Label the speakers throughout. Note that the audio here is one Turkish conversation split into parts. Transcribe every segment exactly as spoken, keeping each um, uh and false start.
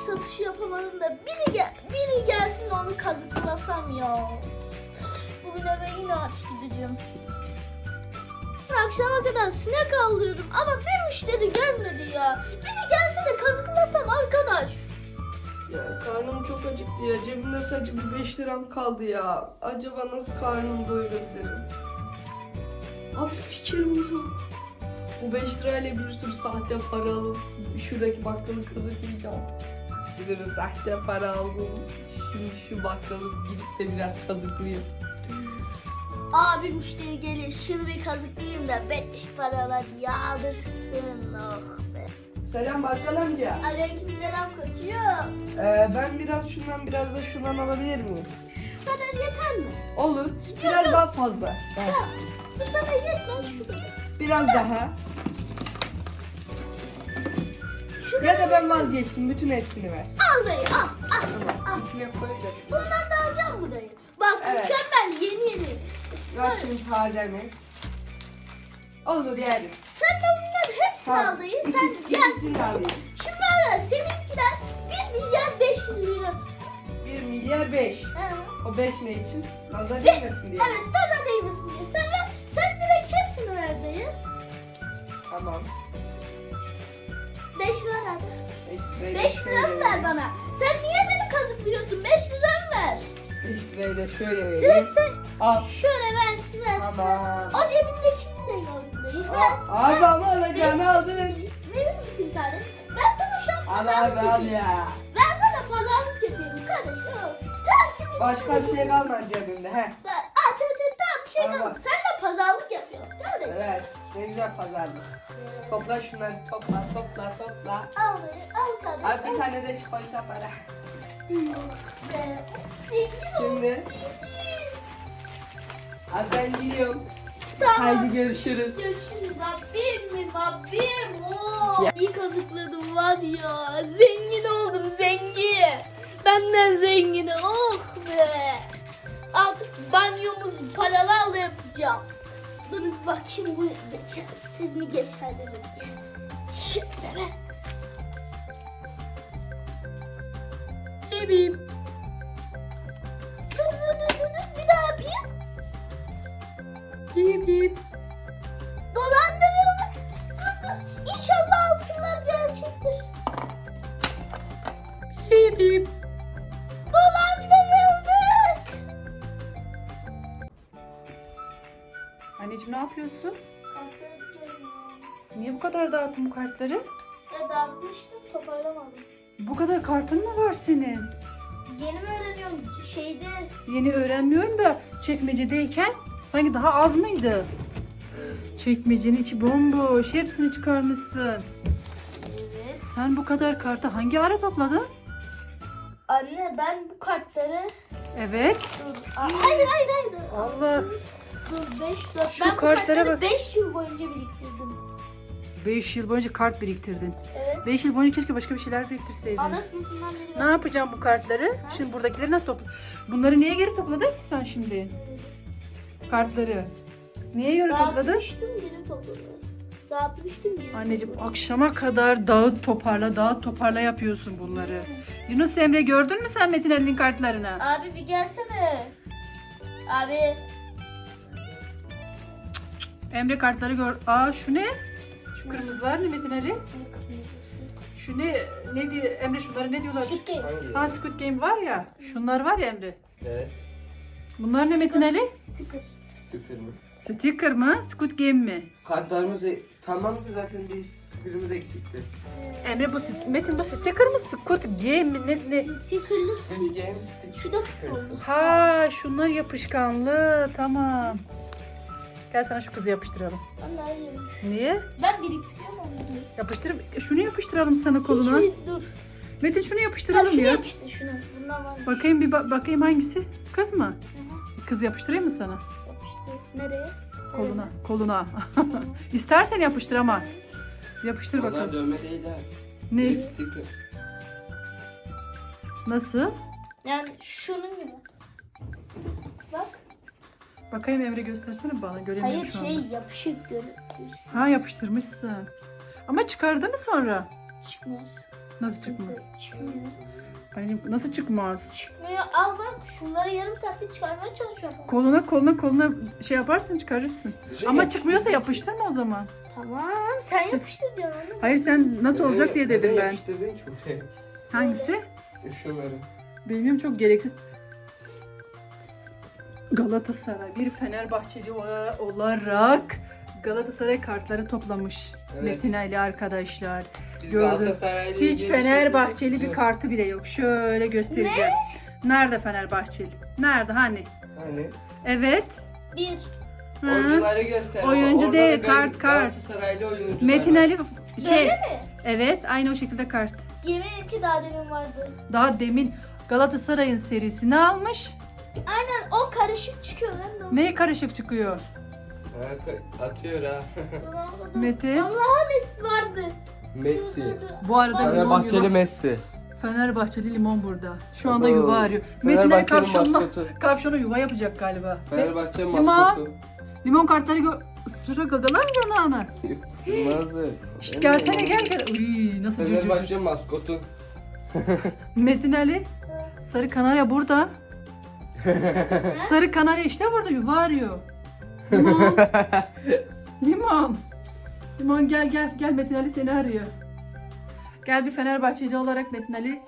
Speaker 1: satışı yapamadım da biri, gel biri gelsin onu kazıklasam ya. Bugün eve yine aç gideceğim. Akşama kadar sinek avlıyorum ama bir müşteri gelmedi ya. Biri gelse de kazıklasam arkadaş.
Speaker 2: Ya karnım çok acıktı ya. Cebimde sadece bir beş liram kaldı ya. Acaba nasıl karnımı doyurabilirim? Abi fikir buldum. Bu beş lirayla bir sürü sahte para alıp şuradaki bakkalı kazıklayacağım. Bir sürü sahte para aldım. Şimdi şu bakkalı gidip de biraz kazıklayayım.
Speaker 1: Abi müşteri gelir şunu bir kazıklayayım da beş paralar yağdırsın. Oh be.
Speaker 2: Selam bakkal amca.
Speaker 1: Aleykümselam koçum.
Speaker 2: Ee, ben biraz şundan biraz da şundan alabilir miyim?
Speaker 1: Şu kadar yeter mi?
Speaker 2: Olur. Biraz
Speaker 1: yok.
Speaker 2: daha fazla.
Speaker 1: Ya, bu sana yetmez şu kadar.
Speaker 2: Biraz daha.
Speaker 1: Şu
Speaker 2: Ya
Speaker 1: kadar
Speaker 2: da ben vazgeçtim. Bütün hepsini ver.
Speaker 1: al dayı al al.
Speaker 2: Tamam. İçine koyacağım.
Speaker 1: Bundan da alacağım mı dayı? Bak
Speaker 2: Evet.
Speaker 1: mükemmel yeni yeni.
Speaker 2: Ver şimdi taze mi? Olur yeriz.
Speaker 1: Sen de bunların hepsini al dayı. Sen
Speaker 2: İkisi-
Speaker 1: gel.
Speaker 2: ikisini de alayım.
Speaker 1: Şimdi ara seninkiler bir milyar beş yüz lira tut.
Speaker 2: bir milyar beş.
Speaker 1: He.
Speaker 2: O beş ne için? Nazar değmesin diye.
Speaker 1: Evet bana değmesin diye. Sen ver. Sen direkt hepsini ver dayı.
Speaker 2: Tamam.
Speaker 1: beş lira ver.
Speaker 2: beş lirayı da
Speaker 1: beş
Speaker 2: şöyle
Speaker 1: lira ver
Speaker 2: vereyim.
Speaker 1: bana. Sen niye beni kazıklıyorsun? beş lira ver.
Speaker 2: beş lirayı da şöyle vereyim.
Speaker 1: Direkt sen
Speaker 2: Al.
Speaker 1: şöyle ver. ver.
Speaker 2: Tamam.
Speaker 1: O cebindekini de gördüm dayı. Ver.
Speaker 2: Aa, abi ama alacağını aldın.
Speaker 1: Verir misin kardeşim? Ben sana şu an
Speaker 2: Al
Speaker 1: pazarlık
Speaker 2: abi al
Speaker 1: yapıyorum.
Speaker 2: ya.
Speaker 1: Ben sana pazarlık yapıyorum kardeşim. Sen şimdi...
Speaker 2: Başka bir şey kalmadı cebimde he.
Speaker 1: Ben, aç aç aç tamam bir şey
Speaker 2: Al
Speaker 1: kalmadı.
Speaker 2: bak.
Speaker 1: Sen de pazarlık yapıyorsun kardeşim.
Speaker 2: Evet. Ne güzel pazarlık. Topla şunları topla topla topla.
Speaker 1: Al dayı al kardeşim.
Speaker 2: Abi bir tane de çikolata para.
Speaker 1: Be, zengin ol.
Speaker 2: Şimdi. Abi ben gidiyorum.
Speaker 1: Tamam.
Speaker 2: Haydi görüşürüz.
Speaker 1: Görüşürüz abim mi abim? Oo.
Speaker 2: Ya.
Speaker 1: İyi kazıkladım var ya. Zengin oldum zengin. Benden zengini oh be. Artık banyomuzu paralarla yapacağım. Dur bir bakayım bu siz mi geçer dedim. Şöyle be. Bebeğim. Dur dur dur dur dur bir daha yapayım. Bip bip. Dolandırıldık. Dur dur. İnşallah altınlar gerçektir. Bip bip. Dolandırıldık.
Speaker 3: Anneciğim ne yapıyorsun?
Speaker 1: Kartları düzenliyorum.
Speaker 3: Niye bu kadar dağıttın bu kartları?
Speaker 1: Ya dağıtmıştım toparlamadım.
Speaker 3: Bu kadar kartın mı var senin?
Speaker 1: Yeni mi öğreniyorum şeyde?
Speaker 3: Yeni öğrenmiyorum da çekmecedeyken sanki daha az mıydı? Çekmecenin içi bomboş. Hepsini çıkarmışsın.
Speaker 1: Evet.
Speaker 3: Sen bu kadar kartı hangi ara topladın?
Speaker 1: Anne ben bu kartları
Speaker 3: Evet.
Speaker 1: dur. Aa, hayır hayır hayır.
Speaker 3: Allah.
Speaker 1: Dur beş dört.
Speaker 3: Şu
Speaker 1: Ben bu
Speaker 3: kartlara
Speaker 1: kartları
Speaker 3: bak.
Speaker 1: beş yıl boyunca biriktirdim.
Speaker 3: beş yıl boyunca kart biriktirdin.
Speaker 1: Evet.
Speaker 3: beş yıl boyunca keşke başka bir şeyler biriktirseydin.
Speaker 1: Ana sınıfından beri
Speaker 3: Ne
Speaker 1: ben.
Speaker 3: yapacağım bu kartları? Şimdi buradakileri nasıl topla? Bunları niye geri topladın ki sen şimdi? Kartları. Niye geri topladın?
Speaker 1: Dağıtmıştım geri topladım. Dağıtmıştım geri
Speaker 3: Anneciğim
Speaker 1: topladım.
Speaker 3: akşama kadar dağıt toparla dağıt toparla yapıyorsun bunları. Yunus Emre gördün mü sen Metin Ali'nin kartlarını?
Speaker 1: Abi bir gelsene. Abi.
Speaker 3: Emre kartları gör. Aa şu ne? Şu kırmızılar ne Metin Ali? Şu ne? Ne diyor Emre şunları ne diyorlar?
Speaker 1: Squid Game.
Speaker 2: Hangi?
Speaker 3: Ha Squid Game var ya. Şunlar var ya Emre.
Speaker 2: Evet.
Speaker 3: Bunlar ne Metin Ali?
Speaker 1: Sticker.
Speaker 2: Sticker mı?
Speaker 3: Sticker mı? Squid Game mi?
Speaker 2: Kartlarımız e- tamamdı zaten bir sticker'ımız eksikti.
Speaker 3: Emre bu st- Metin bu sticker mı? Squid Game mi? Ne, ne?
Speaker 1: Stickerlı
Speaker 2: Şimdi
Speaker 1: sticker.
Speaker 2: game sticker.
Speaker 1: Şu da futbollu.
Speaker 3: Ha şunlar yapışkanlı. Tamam. Gel sana şu kızı yapıştıralım.
Speaker 1: Anne hayır.
Speaker 3: Niye?
Speaker 1: Ben biriktiriyorum onu.
Speaker 3: Yapıştır. Şunu yapıştıralım sana koluna.
Speaker 1: Hiçbir, dur.
Speaker 3: Metin şunu
Speaker 1: Ha,
Speaker 3: yapıştıralım
Speaker 1: şunu
Speaker 3: ya.
Speaker 1: yapıştır şunu. Bundan var mı?
Speaker 3: Bakayım bir ba- bakayım hangisi? Kız mı?
Speaker 1: Hı hı.
Speaker 3: Kız yapıştırayım mı sana?
Speaker 1: Yapıştır. Nereye?
Speaker 3: Koluna. Koluna. İstersen yapıştır ama. Yapıştır
Speaker 2: Onlar
Speaker 3: bakalım.
Speaker 2: dövme değil ha.
Speaker 3: Ne?
Speaker 2: Direkt sticker.
Speaker 3: Nasıl?
Speaker 1: Yani şunun gibi. Bak.
Speaker 3: Bakayım Emre göstersene bana. Göremiyorum
Speaker 1: Hayır
Speaker 3: şu anda.
Speaker 1: şey yapışık gör.
Speaker 3: Ha yapıştırmışsın. Ama çıkardı mı sonra?
Speaker 1: Çıkmaz.
Speaker 3: Nasıl çıkmaz?
Speaker 1: Çıkmıyor.
Speaker 3: Hani nasıl çıkmaz?
Speaker 1: Çıkmıyor. Al bak şunları yarım saatte çıkarmaya çalışıyorum.
Speaker 3: Koluna koluna koluna şey yaparsın çıkarırsın.
Speaker 2: Şey
Speaker 3: Ama
Speaker 2: yap-
Speaker 3: çıkmıyorsa yapıştırma o zaman.
Speaker 1: Tamam sen yapıştır diyorsun anne.
Speaker 3: Hayır sen nasıl
Speaker 2: Neden-
Speaker 3: olacak diye dedim
Speaker 2: neden
Speaker 3: ben.
Speaker 2: yapıştırdın ki buraya?
Speaker 3: Hangisi?
Speaker 2: Şu böyle.
Speaker 3: Bilmiyorum çok gereksiz. Galatasaray bir Fenerbahçeli ola- olarak Galatasaray kartları toplamış.
Speaker 2: Evet.
Speaker 3: Metin Ali arkadaşlar.
Speaker 2: Biz
Speaker 3: Gördüm.
Speaker 2: Galatasaraylı
Speaker 3: Hiç
Speaker 2: diye
Speaker 3: Fenerbahçeli
Speaker 2: şey
Speaker 3: bir
Speaker 2: yok.
Speaker 3: kartı bile yok. Şöyle göstereceğim. Nerede Fenerbahçeli? Nerede hani?
Speaker 2: Hani
Speaker 3: Evet.
Speaker 1: Bir.
Speaker 3: Hı.
Speaker 2: oyuncuları göster.
Speaker 3: Oyuncu
Speaker 2: Orada
Speaker 3: değil,
Speaker 2: da
Speaker 3: kart, kart.
Speaker 2: Galatasaraylı oyuncular
Speaker 3: Metin
Speaker 2: var.
Speaker 3: Ali şey.
Speaker 1: Böyle mi?
Speaker 3: Evet, aynı o şekilde kart.
Speaker 1: Yemin ki daha demin vardı.
Speaker 3: Daha demin Galatasaray'ın serisini almış.
Speaker 1: Aynen o karışık çıkıyor lan.
Speaker 3: Neye karışık çıkıyor?
Speaker 2: Ha, ka- atıyor ha.
Speaker 1: Ronaldo'da.
Speaker 3: Metin.
Speaker 1: Allah'a Messi vardı.
Speaker 2: Messi.
Speaker 1: Dur, dur, dur.
Speaker 3: Bu arada limon
Speaker 2: Fenerbahçeli
Speaker 3: yuva.
Speaker 2: Messi.
Speaker 3: Fenerbahçeli limon burada. Şu anda
Speaker 2: Oo.
Speaker 3: yuva arıyor. Metin Ali
Speaker 2: Fenerbahçe'nin
Speaker 3: kapşonla,
Speaker 2: maskotu.
Speaker 3: kapşona yuva yapacak galiba. Ve
Speaker 2: Fenerbahçe
Speaker 3: Limon.
Speaker 2: maskotu.
Speaker 3: limon kartları gö ısıra gagalar mı yanağına?
Speaker 2: Sığmazdı.
Speaker 3: Şşt, gelsene gel gel. Uy, nasıl cırcır.
Speaker 2: Fenerbahçe maskotu.
Speaker 3: Metin Ali. Sarı kanarya burada. Sarı kanarya işte burada yuva arıyor. Limon. Limon. Limon gel gel. Gel Metin Ali seni arıyor. Gel bir Fenerbahçeli olarak Metin Ali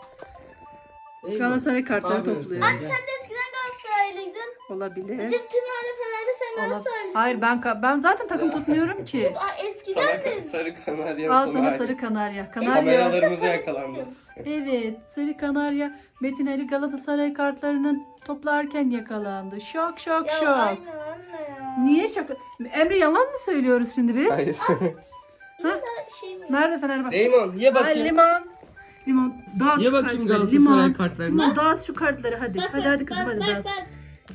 Speaker 3: Galatasaray kartları topluyor.
Speaker 1: Anne sen de eskiden Galatasaraylıydın.
Speaker 3: Olabilir.
Speaker 1: Bizim tüm aile Fenerli sen
Speaker 3: Olabilir.
Speaker 1: Galatasaraylısın.
Speaker 3: Hayır ben ka- ben zaten takım tutmuyorum ki.
Speaker 1: Aa, eskiden
Speaker 2: Sana
Speaker 1: de.
Speaker 2: sarı kanarya.
Speaker 3: Al sana sarı kanarya. Kanarya.
Speaker 2: Kameralarımıza yakalandı.
Speaker 3: Evet, sarı kanarya Metin Ali Galatasaray kartlarını toplarken yakalandı. Şok şok
Speaker 1: Ya
Speaker 3: şok.
Speaker 1: aynen anne ya.
Speaker 3: Niye şaka? Emre yalan mı söylüyoruz şimdi biz?
Speaker 2: Hayır.
Speaker 1: Yine de şey mi?
Speaker 3: Nerede Fenerbahçe?
Speaker 2: Limon ye
Speaker 3: Ay,
Speaker 2: bakayım.
Speaker 3: limon. Limon. Dağıt
Speaker 2: Ye
Speaker 3: şu
Speaker 2: bakayım
Speaker 3: kartları.
Speaker 2: Galatasaray
Speaker 3: Limon.
Speaker 2: kartlarını.
Speaker 3: Limon dağıt şu kartları hadi.
Speaker 1: Bak,
Speaker 3: hadi
Speaker 1: bak,
Speaker 3: hadi kızım
Speaker 1: bak,
Speaker 3: hadi
Speaker 1: bak,
Speaker 3: dağıt.
Speaker 1: bak.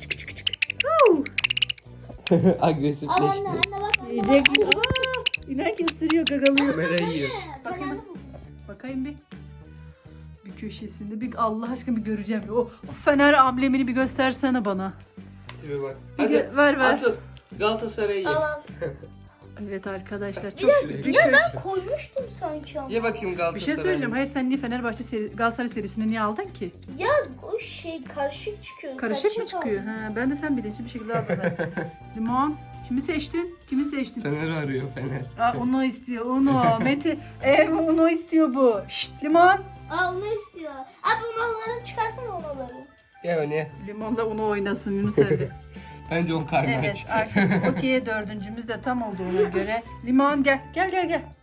Speaker 3: Huu.
Speaker 1: Al anne
Speaker 2: Agresifleşti.
Speaker 1: anne bak. anne,
Speaker 3: Yiyecek
Speaker 1: bak.
Speaker 3: mi? Aa, inek ısırıyor gagalıyor.
Speaker 2: Kamera yiyor.
Speaker 3: Bakayım
Speaker 1: Fenerli
Speaker 3: bir. Bakayım bir. Bir köşesinde bir Allah aşkına bir göreceğim. O, o Fener amblemini bir göstersene bana.
Speaker 2: Tipe bak.
Speaker 3: Bir
Speaker 2: Hadi
Speaker 3: gö- ver ver.
Speaker 2: atıl. Galatasaray'ı ye.
Speaker 1: Al al.
Speaker 3: Evet arkadaşlar çok
Speaker 2: Bir
Speaker 3: bir
Speaker 1: Ya
Speaker 3: köşe.
Speaker 1: ben koymuştum sanki ama.
Speaker 2: Ye bakayım
Speaker 3: Bir
Speaker 2: Galatasaray'ı.
Speaker 3: şey söyleyeceğim. Hayır sen niye Fenerbahçe seri, Galatasaray serisini niye aldın ki?
Speaker 1: Ya o şey karışık çıkıyor.
Speaker 3: Karışık mı çıkıyor?
Speaker 1: aldım.
Speaker 3: Ha, ben de sen bilinçli bir şekilde aldın zaten. Limon. Kimi seçtin? Kimi seçtin?
Speaker 2: Fener arıyor Fener.
Speaker 3: Aa, onu istiyor. Onu. Mete. Ee, onu istiyor bu. Şşt limon.
Speaker 1: Aa onu istiyor. Abi umaları çıkarsana umaları.
Speaker 2: Ye onu ye.
Speaker 3: Limonla onu oynasın Yunus Emre.
Speaker 2: Bence on karnı
Speaker 3: Evet
Speaker 2: aç.
Speaker 3: artık okey dördüncümüz de tam olduğuna göre. Limon gel. Gel gel gel.